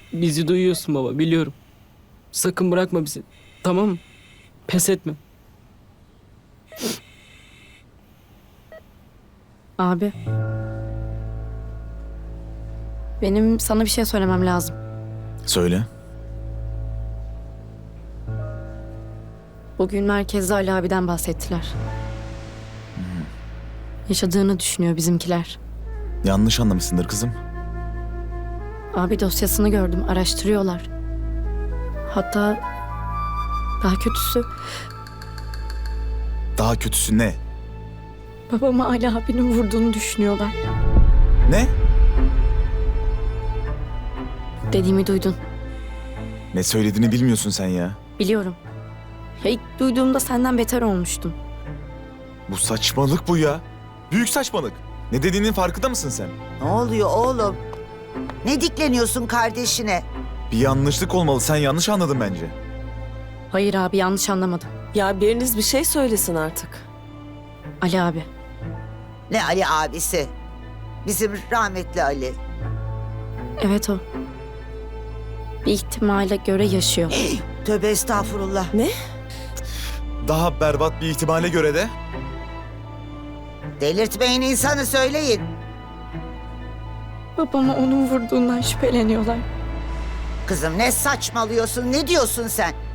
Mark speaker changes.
Speaker 1: Bizi duyuyorsun baba, biliyorum. Sakın bırakma bizi. Tamam mı? Pes etme.
Speaker 2: Abi. Benim sana bir şey söylemem lazım.
Speaker 3: Söyle.
Speaker 2: Bugün merkezde Ali abiden bahsettiler. Yaşadığını düşünüyor bizimkiler.
Speaker 3: Yanlış anlamışsındır kızım.
Speaker 2: Abi dosyasını gördüm, araştırıyorlar. Hatta daha kötüsü
Speaker 3: Daha kötüsü ne?
Speaker 2: babamı Ali abinin vurduğunu düşünüyorlar.
Speaker 3: Ne?
Speaker 2: Dediğimi duydun.
Speaker 3: Ne söylediğini bilmiyorsun sen ya.
Speaker 2: Biliyorum. Ya ilk duyduğumda senden beter olmuştum.
Speaker 3: Bu saçmalık bu ya. Büyük saçmalık. Ne dediğinin farkında mısın sen?
Speaker 4: Ne oluyor oğlum? Ne dikleniyorsun kardeşine?
Speaker 3: Bir yanlışlık olmalı. Sen yanlış anladın bence.
Speaker 2: Hayır abi, yanlış anlamadım.
Speaker 5: Ya biriniz bir şey söylesin artık.
Speaker 2: Ali abi.
Speaker 4: Ne Ali abisi? Bizim rahmetli Ali.
Speaker 2: Evet o. Bir ihtimale göre yaşıyor.
Speaker 4: Tövbe estağfurullah.
Speaker 3: Daha berbat bir ihtimale göre de
Speaker 4: Delirtmeyin insanı, söyleyin.
Speaker 2: Babama onun vurduğundan şüpheleniyorlar.
Speaker 4: Kızım ne saçmalıyorsun? Ne diyorsun sen?